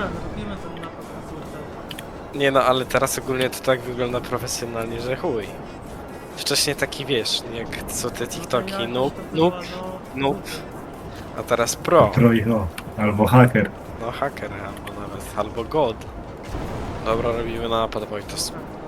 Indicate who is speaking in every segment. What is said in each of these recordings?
Speaker 1: dobra, robimy ten napad na Surtel.
Speaker 2: Nie no, ale teraz ogólnie to tak wygląda profesjonalnie, że chuj. Wcześniej taki wiesz, jak co te TikToki, noob, a teraz pro.
Speaker 3: Trojno. Albo haker.
Speaker 2: No haker albo nawet, albo god. Dobra, robimy napad, Wojtos.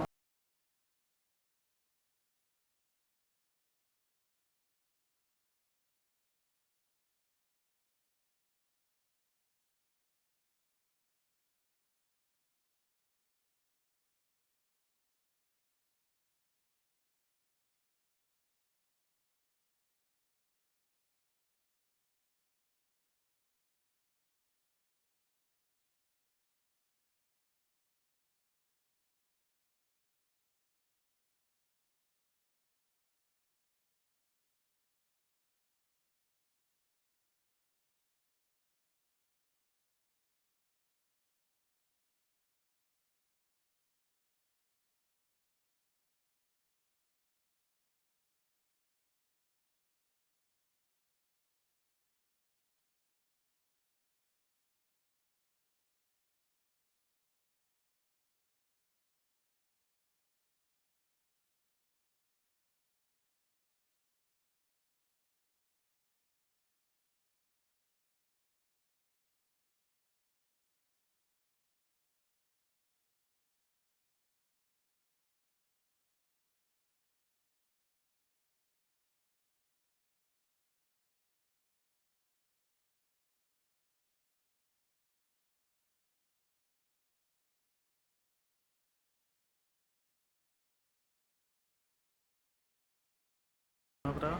Speaker 1: Dobra.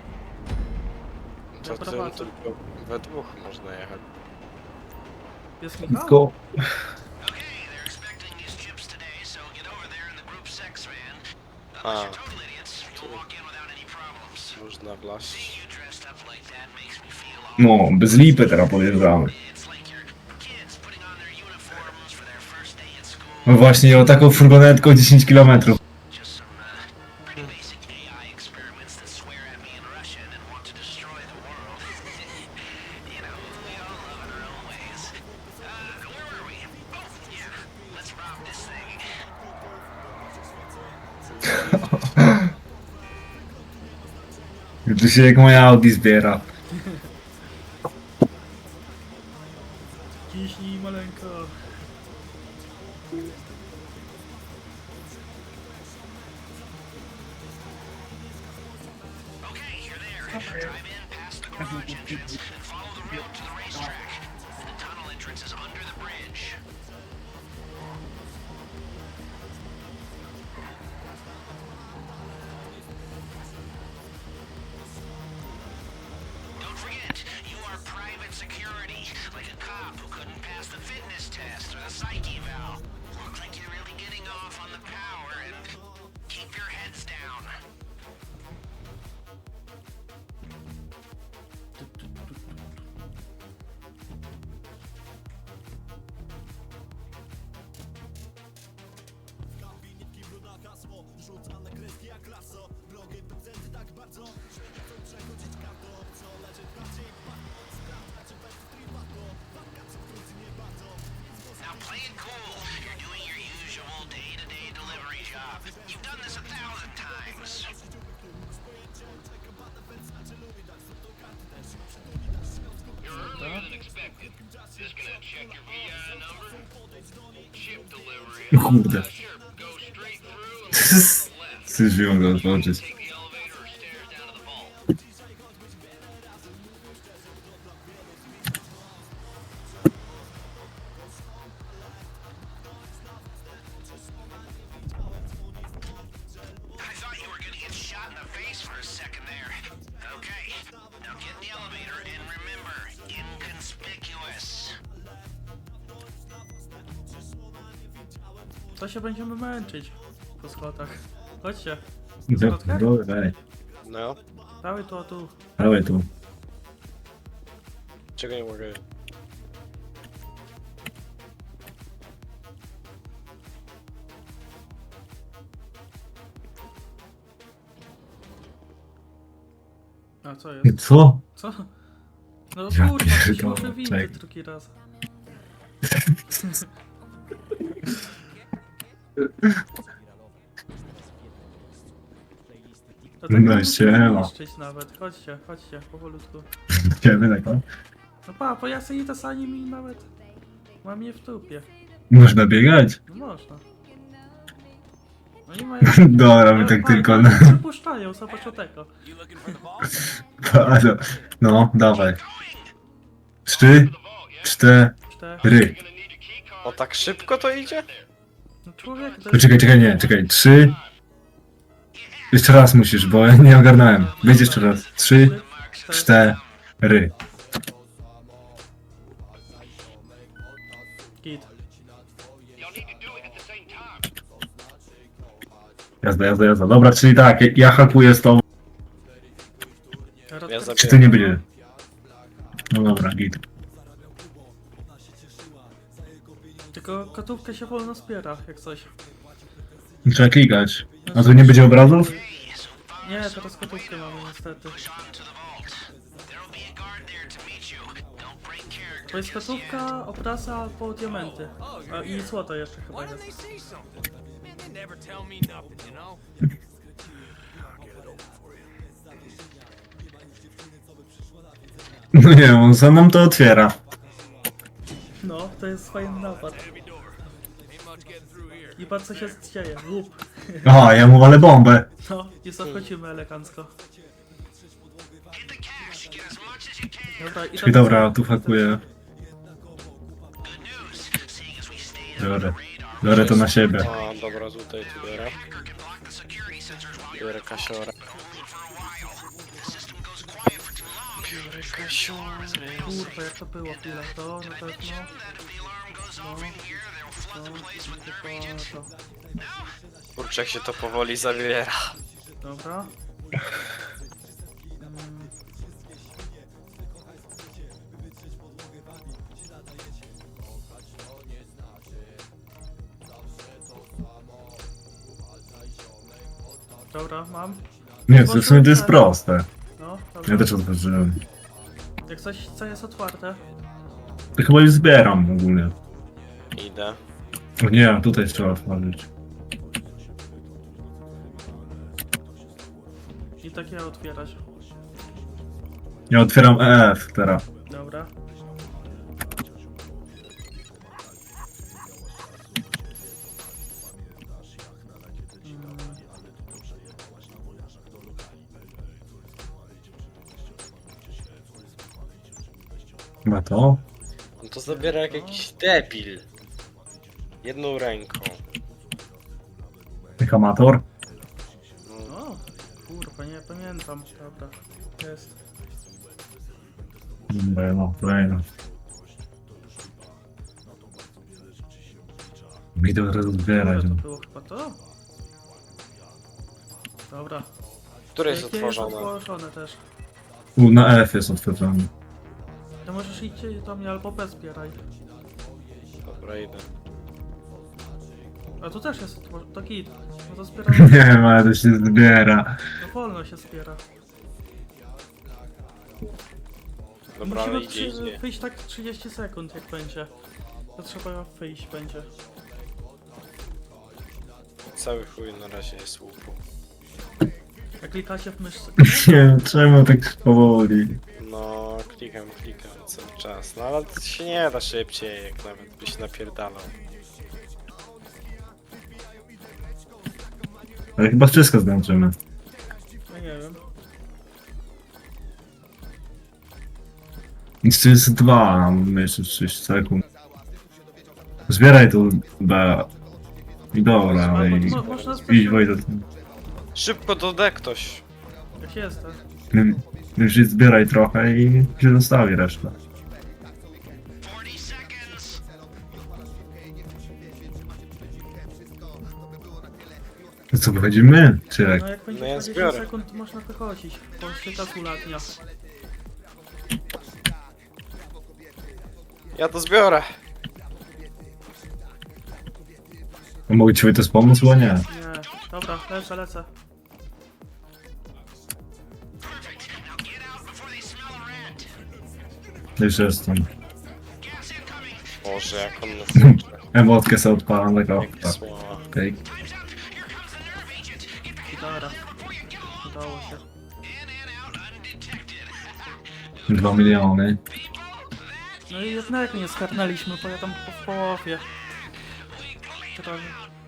Speaker 2: Co
Speaker 1: Ja
Speaker 2: ty,
Speaker 1: prowadzę.
Speaker 2: tylko we dwóch można jechać.
Speaker 1: Jest
Speaker 3: Let's
Speaker 1: Michał?
Speaker 3: go.
Speaker 4: Okay, they're expecting these chips today, so get over there in the Group 6 van. Unless you're total idiots, you'll walk in without any problems.
Speaker 2: Można wlaść.
Speaker 4: Seeing you dressed up like that makes me feel all...
Speaker 3: No, bez lipy teraz podjeżdżamy.
Speaker 4: It's like your kids putting on their uniforms for their first day at school.
Speaker 3: No właśnie, o taką furgonetką 10 km.
Speaker 4: Just some pretty basic AI experiments that swear at me in Russian and want to destroy the world. You know, we all love in our own ways. Where were we? Oh, yeah. Let's rob this thing.
Speaker 3: Tu się jak moja Audi zbiera.
Speaker 1: Ciśnij maleńko.
Speaker 4: Okay, you're there. Drive in past the garage entrance and follow the road to the racetrack. The tunnel entrance is under the bridge. Don't forget, you are private security, like a cop who couldn't pass the fitness test or the psych eval. Looks like you're really getting off on the power and keep your heads down. Now play it cool. You're doing your usual day-to-day delivery job. You've done this 1,000 times. You're earlier than expected. Just gonna check your VI number. Chip delivery.
Speaker 3: Kurde.
Speaker 4: Sure, go straight through and left.
Speaker 3: Zdążyłem go otworzyć.
Speaker 4: Take the elevator or stairs down to the vault. I thought you were gonna get shot in the face for a second there. Okay, now get in the elevator and remember, inconspicuous.
Speaker 1: To się będziemy męczyć po schodach. Chodźcie.
Speaker 3: Dobra,
Speaker 2: No,
Speaker 1: Dawaj tu, a tu.
Speaker 3: dawaj tu.
Speaker 2: czego nie mogę.
Speaker 1: A co jest?
Speaker 3: Co?
Speaker 1: Co? No
Speaker 3: Ja
Speaker 1: kurwa,
Speaker 3: pierdolę,
Speaker 1: muszę windy
Speaker 3: czekaj.
Speaker 1: drugi raz. To tak
Speaker 3: No
Speaker 1: musimy
Speaker 3: siema.
Speaker 1: niszczyć nawet. Chodźcie, chodźcie, powolutku.
Speaker 3: Idziemy tak, o.
Speaker 1: No pa, po jasnej tasani mi nawet... Mam je w trupie.
Speaker 3: Można biegać?
Speaker 1: No można. No nie mają...
Speaker 3: Dobra, my tak tylko na...
Speaker 1: Przepuszczają, zobacz o tego.
Speaker 3: Bardzo. No, dawaj. 3, 4.
Speaker 1: Cztery.
Speaker 2: O, tak szybko to idzie?
Speaker 1: No człowiek... to jest-
Speaker 3: Poczekaj, czekaj, nie, czekaj. 3. Jeszcze raz musisz, bo ja nie ogarnąłem. Wejdź jeszcze raz. 3, 4.
Speaker 1: Git.
Speaker 3: Jazda. Dobra, czyli tak, ja hakuję z tobą.
Speaker 2: Ja
Speaker 3: Czy ty nie będzie? No dobra, git.
Speaker 1: Tylko kotówkę się wolno zbiera, jak coś.
Speaker 3: Trzeba klikać. A tu nie będzie obrazów?
Speaker 1: Nie, teraz kotówkę mamy niestety. To jest kotówka, obraza albo diamenty. A i złoto jeszcze chyba jest.
Speaker 3: No nie, on za nam to otwiera.
Speaker 1: No, to jest fajny napad. I patrz co się dzieje. Łup.
Speaker 3: Aha, ja mu walę bombę.
Speaker 1: No, i zachodzimy elegancko. Dobra, i
Speaker 3: Czyli dobra, tu hakuję. Biorę to na siebie.
Speaker 2: A, dobra, tutaj tu biorę. Biorę kasiorę. Biorę kasiorę.
Speaker 1: Kurwa, jak to było chwilę. To na pewno. To.
Speaker 2: Kurczę, jak się to powoli zawiera.
Speaker 1: Dobra. Dobra, mam.
Speaker 3: Nie, w sumie to jest proste.
Speaker 1: No, dobra.
Speaker 3: Ja też otworzyłem.
Speaker 1: Jak coś, co jest otwarte.
Speaker 3: To chyba już zbieram ogólnie.
Speaker 2: Idę.
Speaker 3: O nie, tutaj trzeba otworzyć.
Speaker 1: I takie otwierać.
Speaker 3: Ja otwieram EF teraz.
Speaker 1: Dobra.
Speaker 3: Chyba to?
Speaker 2: On to zabiera jak jakiś debil. Jedną ręką.
Speaker 3: Jak amator?
Speaker 1: O, kurwa, nie pamiętam. Dobra, jest.
Speaker 3: Dobra, no, kolejna. Mi to teraz zbierać.
Speaker 1: To
Speaker 3: No.
Speaker 1: było chyba to? Dobra.
Speaker 2: Które jest
Speaker 1: Jakie
Speaker 2: otworzone?
Speaker 1: otworzone też.
Speaker 3: Na F jest otworzony.
Speaker 1: To możesz iść do mnie albo bez zbieraj.
Speaker 2: Dobra, idę.
Speaker 1: A tu też jest otworzone. To git. No to zbieraj.
Speaker 3: Nie wiem, ale to się zbiera.
Speaker 1: No wolno się zbiera.
Speaker 2: Dobra, ale
Speaker 1: Musimy
Speaker 2: idzie.
Speaker 1: wyjść tak 30 sekund jak będzie. To trzeba wyjść będzie.
Speaker 2: Cały chuj na razie jest łupu.
Speaker 1: Jak klikacie w myszce.
Speaker 3: Nie wiem, czemu tak powoli.
Speaker 2: No, klikam cały czas. No ale to się nie da szybciej, jak nawet byś napierdalał.
Speaker 3: Ale chyba wszystko zdążymy.
Speaker 1: No nie wiem.
Speaker 3: Jeszcze jest 2, mamy jeszcze 6 sekund. Zbieraj tu B. I dobra, ale i...
Speaker 1: Można
Speaker 3: Idź Wojtek.
Speaker 2: Szybko dodaj ktoś.
Speaker 1: Jak jestem.
Speaker 3: Już zbieraj trochę i się zostawi resztę. To co, wychodzimy? Czy jak?
Speaker 1: No jak będzie
Speaker 2: No ja
Speaker 1: 20
Speaker 2: zbiorę.
Speaker 1: sekund to można wychodzić. Bo się tak ulatnia.
Speaker 2: Ja to zbiorę.
Speaker 3: Mogę ci Wojtek pomóc, bo nie.
Speaker 1: Nie. Dobra, lecę.
Speaker 3: Już jestem.
Speaker 2: Boże, jak on nas uczy.
Speaker 3: Emotkę sobie odpalam, tak o.
Speaker 2: Jak
Speaker 3: Tak,
Speaker 2: słowa.
Speaker 3: okej.
Speaker 1: Gitara. Udało się.
Speaker 3: 2 miliony.
Speaker 1: No i jednak nie skarnęliśmy, bo ja tam w połowie. Prawie.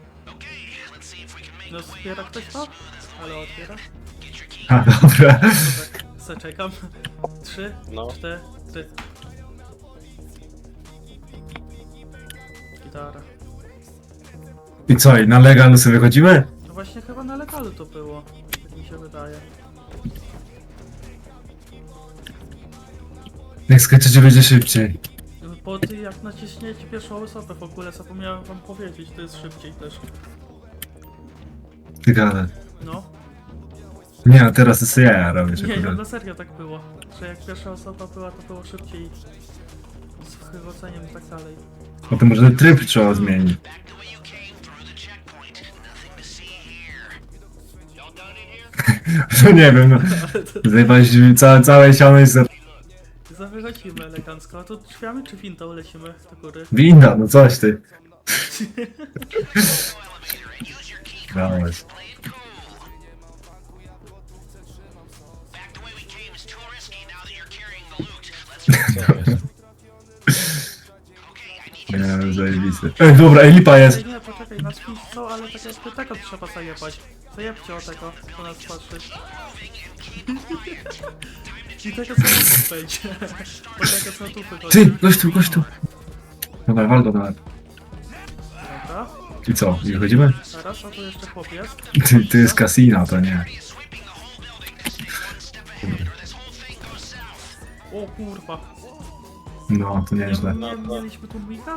Speaker 1: No zbiera ktoś to? Ale otwiera?
Speaker 3: A, dobra.
Speaker 1: Tak, zaczekam. 3,
Speaker 2: No.
Speaker 1: 4. Gitara.
Speaker 3: I co, i na legalu sobie chodzimy?
Speaker 1: No właśnie chyba na legalu to było. Tak mi się wydaje.
Speaker 3: Jak skaczecie będzie szybciej.
Speaker 1: Bo ty jak naciśniecie pierwszą osobę w ogóle zapomniałem wam powiedzieć, to jest szybciej też.
Speaker 3: Ty gada.
Speaker 1: No.
Speaker 3: Nie, a teraz to sobie ja robię, że
Speaker 1: Nie, no
Speaker 3: kurde.
Speaker 1: na serio tak było. Że jak pierwsza osoba była, to było szybciej. Z wychodzeniem i tak dalej.
Speaker 3: Potem może tryb trzeba zmienić. No nie wiem, no. Zajebałeś całe siano jest
Speaker 1: Wychodzimy elegancko. A tu drzwiami czy wintą lecimy do góry?
Speaker 3: winda, no coś ty. Dałeś.
Speaker 4: Back the way we came is too risky now that you're carrying the loot. Let's
Speaker 3: Nie wiem, zajebisty. Ej, dobra, ej, lipa jest.
Speaker 1: Ej, nie, poczekaj, nas piszą, ale tak jakby tego trzeba zajebać. Zajebcie o tego, po nas patrzy. I tego co tu będzie. Bo tego co tu wychodzi.
Speaker 3: Ty, gość tu. Dobra, wal go nawet.
Speaker 1: Dobra.
Speaker 3: I co, i wychodzimy?
Speaker 1: Teraz, a tu jeszcze chłop jest.
Speaker 3: Ty jest casino, to nie.
Speaker 1: O kurwa.
Speaker 3: No, to nieźle.
Speaker 1: Nie mieliśmy tu mika?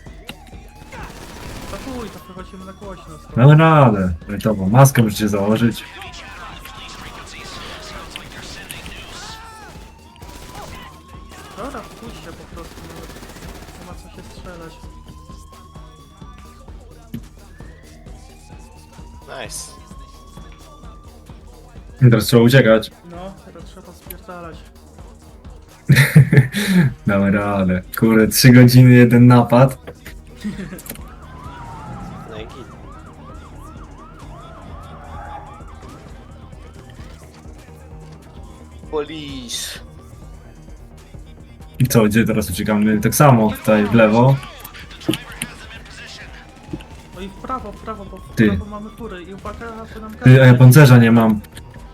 Speaker 1: To chuj, to wychodzimy na głośno.
Speaker 3: Mamy radę. Ej, to, bo maskę musicie założyć.
Speaker 1: Dobra, pójdźcie po prostu. Nie ma co się strzelać.
Speaker 2: Nice.
Speaker 3: Teraz trzeba uciekać.
Speaker 1: No, teraz trzeba spierdalać.
Speaker 3: Damy radę. Kurde, 3 godziny, jeden napad.
Speaker 2: No i git. Police.
Speaker 3: I co, gdzie teraz uciekamy? Tak samo, tutaj w lewo.
Speaker 1: No i w prawo, bo w
Speaker 3: Ty.
Speaker 1: prawo mamy fury i uwaga, bo nam
Speaker 3: Ty, a ja pancerza nie mam.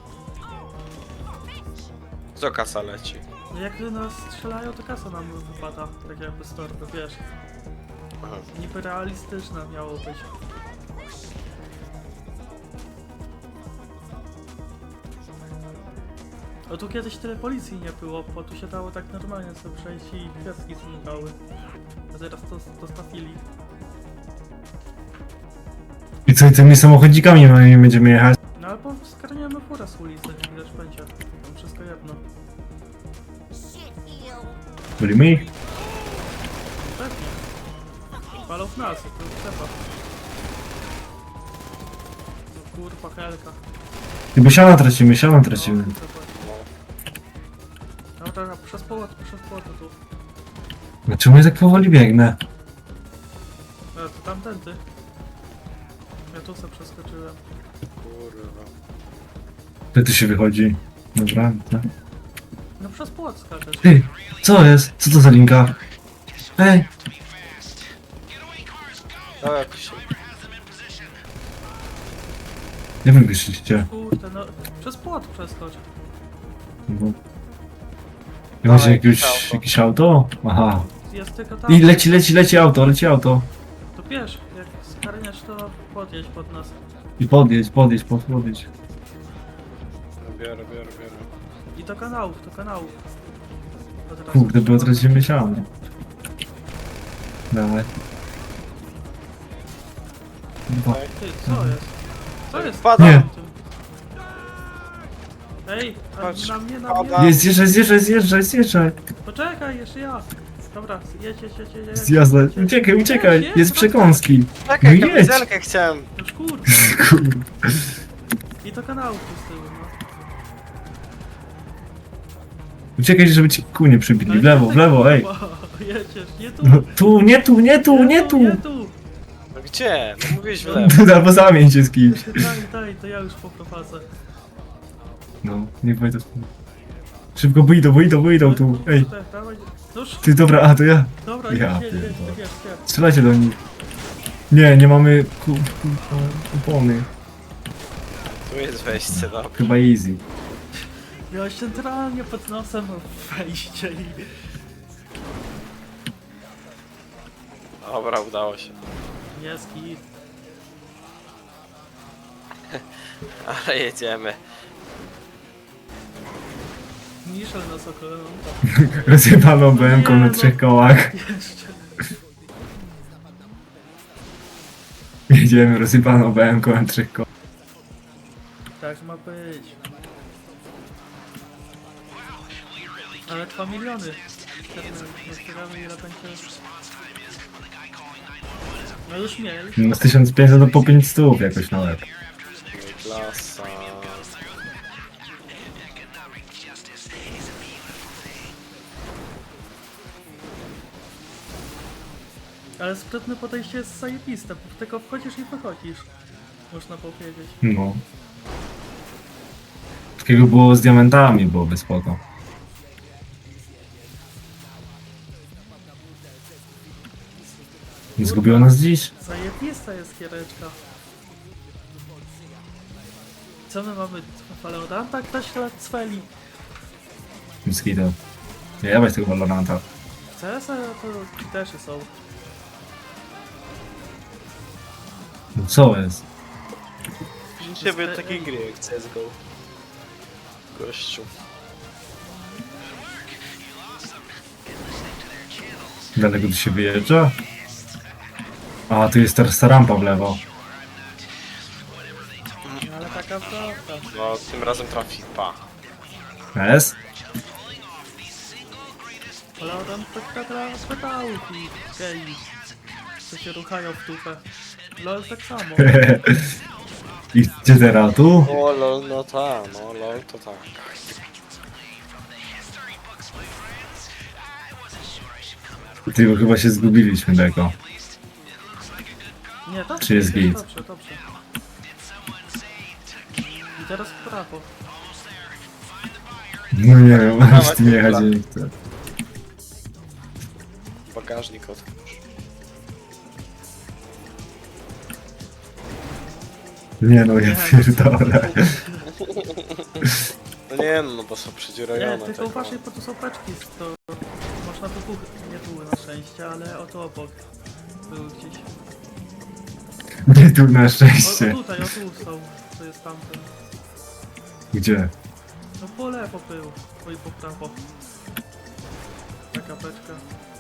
Speaker 2: Co kasa leci?
Speaker 1: No jak nas strzelają, to kasa nam wypada, tak jakby z torby, wiesz.
Speaker 2: Aha.
Speaker 1: Niby realistyczne miało być. O tu kiedyś tyle policji nie było, bo tu się dało tak normalnie sobie przejść i kwiatki znikały. A teraz to dostawili.
Speaker 3: I co, i tymi samochodzikami moimi będziemy jechać?
Speaker 1: No albo skarniemy furę z ulicy, widać będzie. Tam wszystko jedno.
Speaker 3: Byli ich?
Speaker 1: Pewnie. Palą w nas, to trzeba. No kurwa, helka.
Speaker 3: I bo siano tracimy.
Speaker 1: Dobra, przez płot tu.
Speaker 3: Dlaczego ja tak powoli biegnę?
Speaker 1: A, to tamtędy. Ja tu se przeskoczyłem.
Speaker 2: Kurwa.
Speaker 3: Gdzie tu się wychodzi? Dobra, tak.
Speaker 1: No przez płot skaczesz.
Speaker 3: Ty, co jest? Co to za linka? Ej,
Speaker 2: No jakoś się...
Speaker 3: nie wiem, wyszliście.
Speaker 1: Kurde, no przez płot przeskocz.
Speaker 3: No. I macie jakieś auto? Aha.
Speaker 1: Jest tylko tam.
Speaker 3: I leci auto.
Speaker 1: To wiesz, jak skarniesz to podjedź pod nas.
Speaker 3: I podjedź.
Speaker 2: No, biorę.
Speaker 1: I do kanałów. Od razu.
Speaker 3: Kurde, bo tracimy siano. Dawaj. Dwa.
Speaker 1: Ty, co jest? Co jest?
Speaker 2: Wpadam.
Speaker 3: Nie.
Speaker 1: Ej, a
Speaker 2: Patrz,
Speaker 1: na mnie.
Speaker 2: pada.
Speaker 3: Jest, zjeżdżaj.
Speaker 1: Poczekaj, jeszcze ja. Dobra, jedź.
Speaker 3: Zjazda. Uciekaj. Jest przekąski.
Speaker 2: Czekaj,
Speaker 3: No jedź.
Speaker 2: kamizelkę chciałem.
Speaker 1: Już kurde.
Speaker 3: Kurde.
Speaker 1: I do kanałów tu z tyłu, no.
Speaker 3: Uciekaj, żeby ci kół nie przybili. W lewo, ej.
Speaker 1: Kurwa. Pojedziesz, nie tu.
Speaker 3: No tu, nie tu, nie tu, nie tu!
Speaker 1: Nie tu.
Speaker 2: No gdzie? No mówiłeś w lewo.
Speaker 3: Albo zamień się z kimś.
Speaker 1: Daj, to ja już poprowadzę.
Speaker 3: No, niech będzie to. Szybko wyjdą tu. Ej,
Speaker 1: Dawaj. No już,
Speaker 3: ty dobra, a to ja.
Speaker 1: dobra,
Speaker 3: Ja
Speaker 1: jedź.
Speaker 3: pierdolę. Strzelajcie do nich. Nie mamy kupony.
Speaker 2: Tu jest wejście, no.
Speaker 3: Chyba easy.
Speaker 1: Miałeś centralnie pod nosem wejście i...
Speaker 2: Dobra, udało się.
Speaker 1: Jest git.
Speaker 2: Ale jedziemy.
Speaker 1: Niszel nas ogląda.
Speaker 3: Rozjebaną BM-ką na 3 kołach.
Speaker 1: Jeszcze.
Speaker 3: Jedziemy rozjebaną BM-ką na 3 kołach.
Speaker 1: Tak ma być. Ale 2 miliony. Zostawiamy ile będzie... No już mieli.
Speaker 3: No z 1500 do po 500 jakoś na łeb.
Speaker 2: Klasa.
Speaker 1: Ale sprytne podejście jest zajebiste, bo tylko wchodzisz i wychodzisz. Można powiedzieć.
Speaker 3: No. Takiego było z diamentami, byłoby spoko. Nie zgubiło nas dziś?
Speaker 1: Zajebista jest giereczka. Co my mamy? Valoranta? Ktoś lat cweli.
Speaker 3: Mosquito. Nie jebać tego Valoranta.
Speaker 1: CS to też są.
Speaker 3: No co jest?
Speaker 2: Ciebie takiej gry jak CSGO. Gościu.
Speaker 3: Daleko tu się wyjeżdża? A, tu jest teraz ta rampa w lewo.
Speaker 1: Ale taka prawda.
Speaker 2: No, tym razem trafi. Pa.
Speaker 3: Jest?
Speaker 1: Valorant to taka pedałki. Gej. Co się ruchają w dupę. LOL tak samo.
Speaker 3: I gdzie teraz? Tu?
Speaker 2: O lol, no ta, no lol to tak.
Speaker 3: Ty, bo chyba się zgubiliśmy tego.
Speaker 1: Nie, dobrze.
Speaker 3: Czy jest git?
Speaker 1: Dobrze. I teraz w prawo.
Speaker 3: No nie wiem, mam z tym jechać nie chcę.
Speaker 2: Bagażnik otwórz.
Speaker 3: Nie no, ja pierdolę.
Speaker 2: No nie no, bo są
Speaker 1: Nie,
Speaker 2: przedziurajone.
Speaker 1: tylko
Speaker 2: tego.
Speaker 1: uważaj, bo tu są paczki, to można wybuchnąć. Nie były na szczęście, ale oto obok. Były gdzieś.
Speaker 3: Nie tu na
Speaker 1: O
Speaker 3: szczęście.
Speaker 1: tutaj, o tu są. To jest tamten.
Speaker 3: Gdzie?
Speaker 1: No po lewo był. Oj, po prawo. Taka beczka.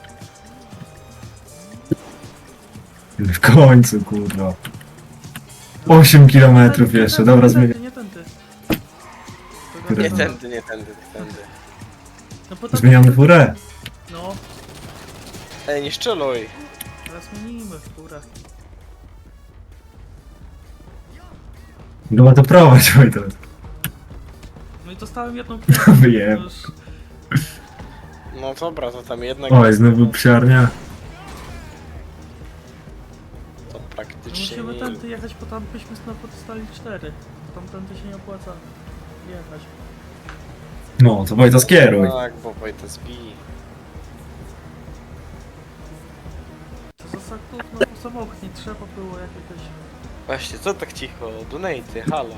Speaker 3: W końcu, kurwa. 8 kilometrów jeszcze, dobra, zmienię.
Speaker 1: Nie tędy.
Speaker 3: Które-
Speaker 2: Nie tędy, nie tędy, nie tędy.
Speaker 1: No bo tam-
Speaker 3: Zmieniamy furę.
Speaker 1: No,
Speaker 2: Ej, nie szczeluj.
Speaker 1: teraz zmienimy w górę.
Speaker 3: No to prowadź, Wojtek.
Speaker 1: No i dostałem jedną piłkę.
Speaker 3: Wyjem.
Speaker 1: To już-
Speaker 2: No dobra, to tam jednak...
Speaker 3: Oj, znowu psiarnia.
Speaker 2: To
Speaker 1: No
Speaker 2: praktycznie
Speaker 1: musimy
Speaker 2: nie...
Speaker 1: tędy jechać, bo tam byśmy znowu dostali 4. Tamtędy się nie opłaca jechać.
Speaker 3: No, to Wojta skieruj.
Speaker 2: Tak, bo Wojta zbij.
Speaker 1: To za saków, no bo samochód nie trzeba było jakiegoś...
Speaker 2: Właśnie, co tak cicho? Donaty, halo.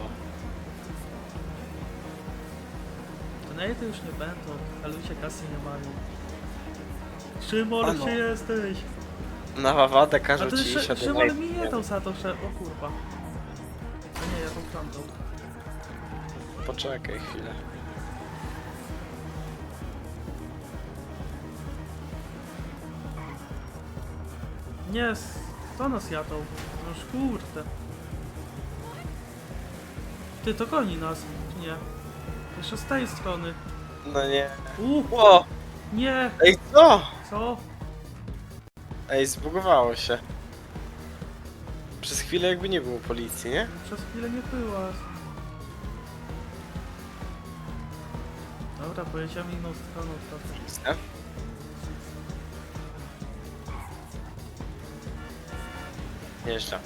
Speaker 1: Donaty już nie będą, a ludzie kasy nie mają. Szymon,
Speaker 2: Ano.
Speaker 1: gdzie jesteś?
Speaker 2: Na wawadę
Speaker 1: A
Speaker 2: każą
Speaker 1: ty
Speaker 2: ci iść
Speaker 1: Szymon mi nie dał za to, że... O kurwa. A nie, ja tą klamką.
Speaker 2: Poczekaj chwilę.
Speaker 1: Nie, to nas jadą. No już kurde. Ty, to goni nas, czy nie? Jeszcze z tej strony.
Speaker 2: No nie.
Speaker 1: O! Nie!
Speaker 2: Ej, co?
Speaker 1: Co?
Speaker 2: Ej, zbugowało się. Przez chwilę jakby nie było policji, nie?
Speaker 1: Przez chwilę nie była. Dobra, pojedziemy inną stroną trochę.
Speaker 2: Widzę. Nieźle.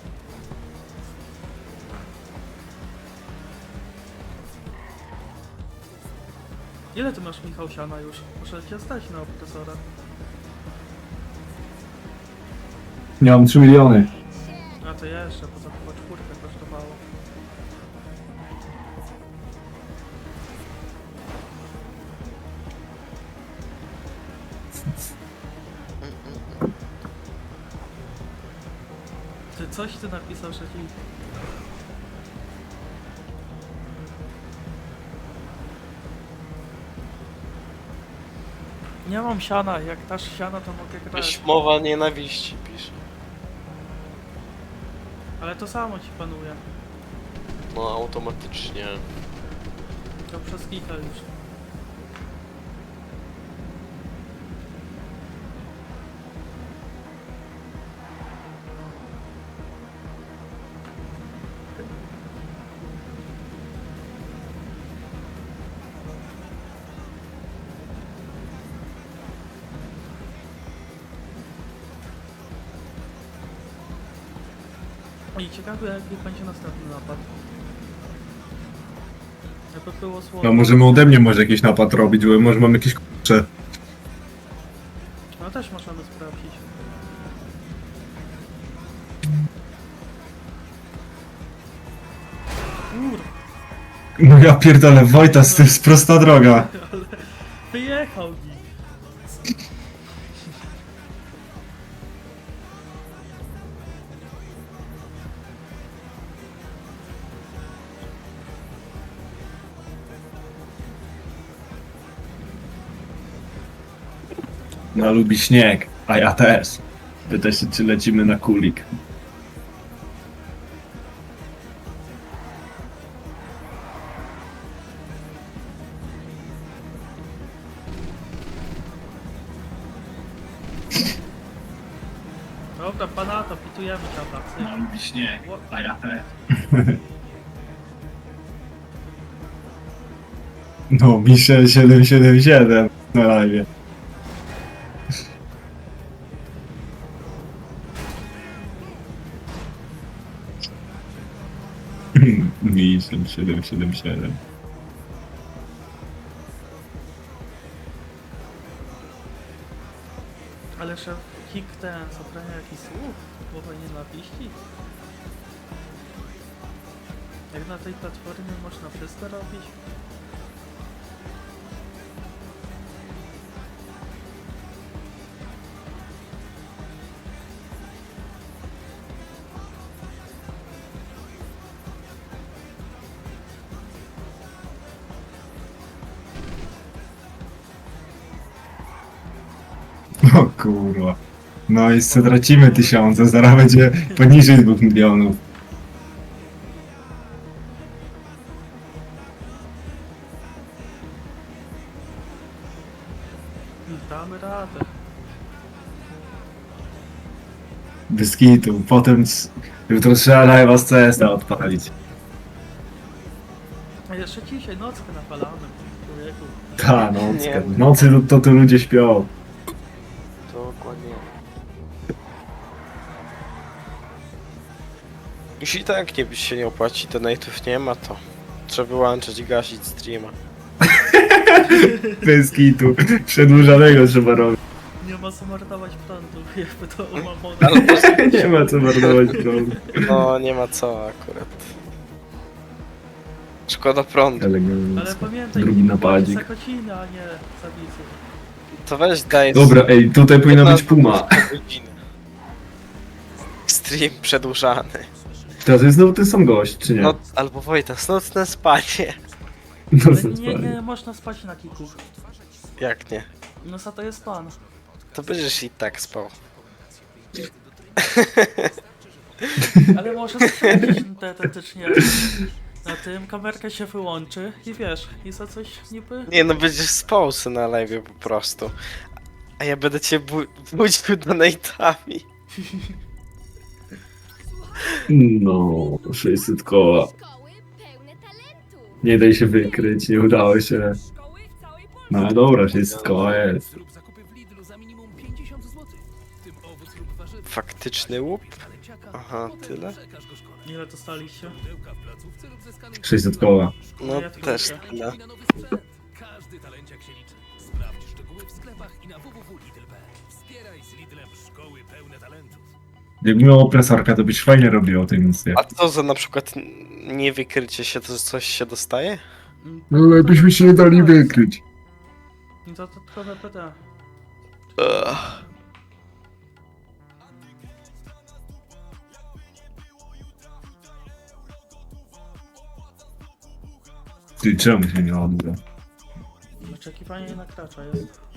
Speaker 1: Ile ty masz, Michał, siana już? Muszę cię stać na opresora.
Speaker 3: Nie mam 3 miliony.
Speaker 1: A to jeszcze, bo to chyba 4 kosztowało. Ty coś ty napisał, że ci... Nie mam siana, jak dasz siana to mogę grać.
Speaker 2: Jakaś mowa nienawiści pisze.
Speaker 1: Ale to samo ci panuje.
Speaker 2: No automatycznie.
Speaker 1: To przez kilka już. I ciekawe jaki będzie następny napad. Jakby było słowo.
Speaker 3: No możemy ode mnie może jakiś napad robić, bo może mam jakieś kurcze.
Speaker 1: No też możemy sprawdzić. Kur...
Speaker 3: No ja pierdolę, Wojtas, to jest prosta droga.
Speaker 1: ale wyjechał mi.
Speaker 3: No lubi śnieg, a ja też. Pyta się, czy lecimy na kulik.
Speaker 1: Dobra, pana to pitujemy tam na
Speaker 3: lubi śnieg, a ja też. No, Michel 777 na live. Michel 777.
Speaker 1: Ale szef Hik ten zabrania jakichś słów, słowa nienawiści. Jak na tej platformie można wszystko robić?
Speaker 3: O kurwa. No i co tracimy 1000, zaraz będzie poniżej 2 milionów.
Speaker 1: Damy radę.
Speaker 3: Bez kitu, potem jutro trzeba live'a z CS-a odpalić.
Speaker 1: A jeszcze dzisiaj nockę napalamy. Człowieku.
Speaker 3: Ta nocka.
Speaker 2: Nie.
Speaker 3: W nocy to tu ludzie śpią.
Speaker 2: Dokładnie. Jeśli tak nie się nie opłaci, to nate'ów nie ma, to trzeba wyłączyć i gasić streama.
Speaker 3: Bez kitu. Przedłużanego trzeba robić.
Speaker 1: Nie ma co marnować prądu, jakby to umamone.
Speaker 3: Nie ma co marnować prądu.
Speaker 2: No nie ma co akurat. Szkoda prądu.
Speaker 1: Ale
Speaker 3: Elegancko.
Speaker 1: pamiętaj,
Speaker 3: Drugi napadzik.
Speaker 1: Sakociny, a nie zabicy.
Speaker 2: To weź daj.
Speaker 3: Dobra, ej, tutaj powinna być puma.
Speaker 2: Godziny. Stream przedłużany.
Speaker 3: To jest znowu ten sam gość, czy nie?
Speaker 2: No, albo Wojtas, nocne spanie.
Speaker 3: No,
Speaker 1: Ale
Speaker 3: co
Speaker 1: nie,
Speaker 3: spali.
Speaker 1: nie można spać na kiku.
Speaker 2: Jak nie?
Speaker 1: No za to jest plan.
Speaker 2: To będziesz i tak spał.
Speaker 1: Ale może sprawdzić teoretycznie. Na tym kamerka się wyłączy i wiesz, i za coś niby...
Speaker 2: Nie no, będziesz spał se na live po prostu. A ja będę cię budził donate'ami.
Speaker 3: No, 600 koła.
Speaker 5: Szkoły pełne talentu.
Speaker 3: Nie daj się wykryć, nie udało się.
Speaker 5: Szkoły w całej Polsce.
Speaker 3: No ale dobra, 600 koła jest.
Speaker 6: Zrób zakupy w Lidlu za minimum 50 zł. W tym owoc lub warzywa.
Speaker 2: Faktyczny łup?
Speaker 6: Kaleciaka.
Speaker 2: Aha, tyle?
Speaker 1: Ile dostaliście?
Speaker 3: 600 koła.
Speaker 2: No
Speaker 1: Ja tylko
Speaker 2: też
Speaker 1: tyle.
Speaker 2: tyle.
Speaker 6: Każdy talenciak się liczy. Sprawdź szczegóły w sklepach i na www.lidl.pl. Wspieraj z Lidlem szkoły pełne talentów.
Speaker 3: Jakby miał opresorka, to byś fajnie robił o tej misji.
Speaker 2: A co za na przykład niewykrycie się, to coś się dostaje?
Speaker 3: No ale byśmy się nie dali wykryć.
Speaker 1: Dodatkowe PT.
Speaker 2: Ugh.
Speaker 3: Ty, czemu się nie odbywa?
Speaker 1: Oczekiwanie na kracza jest.